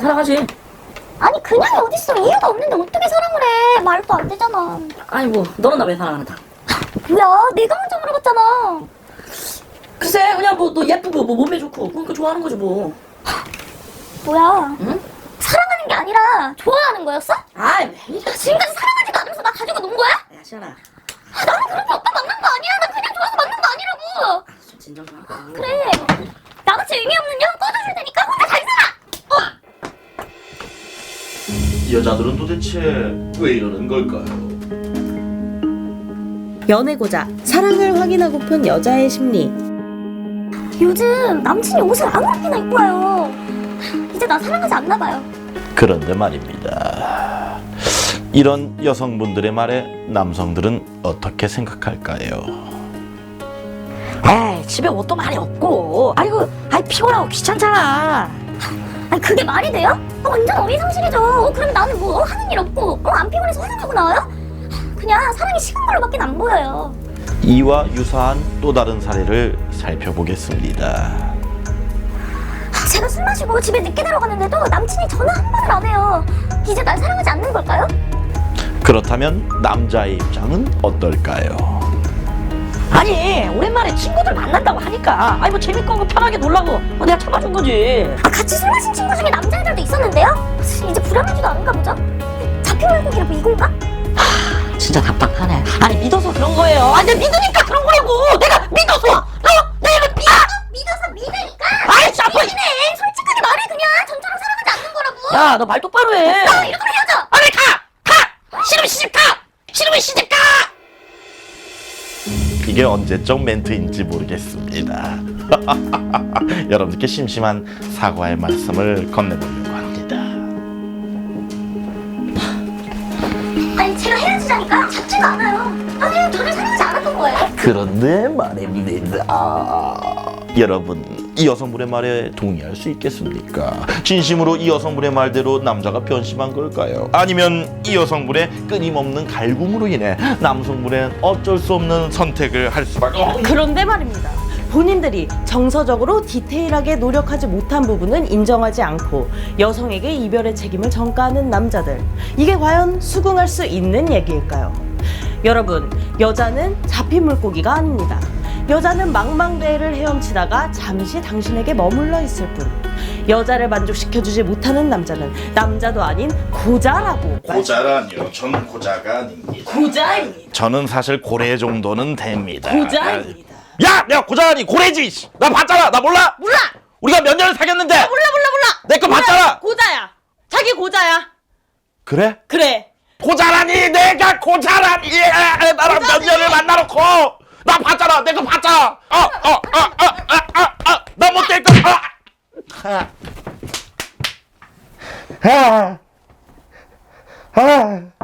사랑하지. 아니 그냥이 어딨어. 이유가 없는데 어떻게 사랑을 해. 말도 안 되잖아. 아니 뭐 너는 나 왜 사랑하는데? 뭐야 내가 먼저 물어봤잖아. 글쎄 그냥 뭐 너 예쁘고 뭐 몸매 좋고 그러니까 좋아하는 거지 뭐. 뭐야? 응? 사랑하는 게 아니라 좋아하는 거였어? 아이 왜 이래? 지금까지 사랑하지도 않으면서 나 가지고 논 거야? 야 시연아. 나는 그렇게 오빠 만난 거 아니야. 나 그냥 좋아서 만난 거 아니라고. 좀 진정 좀 하고. 그래. 나같이 의미 없는 년 꺼져줄 테니까 혼자 잘 살아. 여자들은 도대체 왜 이러는 걸까요? 연애고자 사랑을 확인하고픈 여자의 심리. 요즘 남친이 옷을 아무렇게나 입고 와요. 이제 나 사랑하지 않나 봐요. 그런데 말입니다. 이런 여성분들의 말에 남성들은 어떻게 생각할까요? 에이 집에 옷도 많이 없고 아이고 아이 피곤하고 귀찮잖아. 아니 그게 말이 돼요? 완전 어리상실이죠. 그럼 나는 뭐 하는 일 없고 안 피곤해서 화장하고 나와요? 그냥 사랑이 식은 걸로밖에 안 보여요. 이와 유사한 또 다른 사례를 살펴보겠습니다. 제가 술 마시고 집에 늦게 들어가는데도 남친이 전화 한 번을 안 해요. 이제 날 사랑하지 않는 걸까요? 그렇다면 남자의 입장은 어떨까요? 아니 오랜만에 친구들 만난다고 하니까 아이 뭐 재밌고 편하게 놀라고 내가 참아준 거지. 같이 술 마신 친구 중에 남자애들도 있었는데요? 이제 불안하지도 않은가 보죠? 잡힌 물고기라 뭐 이건가? 진짜 답답하네. 아니 믿어서 그런 거예요. 아니 내가 믿으니까 그런 거라고. 내가 믿어서. 내가 믿어서 믿으니까? 아이 참. 믿기네. 솔직하게 말해 그냥. 전처럼 사랑하지 않는 거라고. 야 너 말 똑바로 해. 이렇게 헤어져. 아니 가. 싫으면 시집 가. 싫으면 시집 가. 이게 언제적 멘트인지 모르겠습니다. 여러분들께 심심한 사과의 말씀을 건네보려고 합니다. 아니 제가 헤어지자니까 잡지가 않아요. 아니 저를 사랑하지 않았던 거예요. 그런데 말입니다. 여러분, 이 여성분의 말에 동의할 수 있겠습니까? 진심으로 이 여성분의 말대로 남자가 변심한 걸까요? 아니면 이 여성분의 끊임없는 갈굼으로 인해 남성분은 어쩔 수 없는 선택을 할 수밖에 없는. 그런데 말입니다. 본인들이 정서적으로 디테일하게 노력하지 못한 부분은 인정하지 않고 여성에게 이별의 책임을 전가하는 남자들. 이게 과연 수긍할 수 있는 얘기일까요? 여러분, 여자는 잡힌 물고기가 아닙니다. 여자는 망망대해를 헤엄치다가 잠시 당신에게 머물러 있을 뿐. 여자를 만족시켜주지 못하는 남자는 남자도 아닌 고자라고. 고자라니요. 저는 고자가 아닙니다. 고자입니다. 저는 사실 고래 정도는 됩니다. 고자입니다. 야, 내가 고자라니 고래지. 나 봤잖아. 나 몰라? 몰라! 우리가 몇 년을 사귀었는데. 몰라! 내 거 봤잖아. 고자야. 자기 고자야. 그래? 그래. 고자라니 내가 고자라니 나랑 몇 년을 만나놓고 나 봤잖아. 내 거 봤잖아. 나 못 될 거. 아.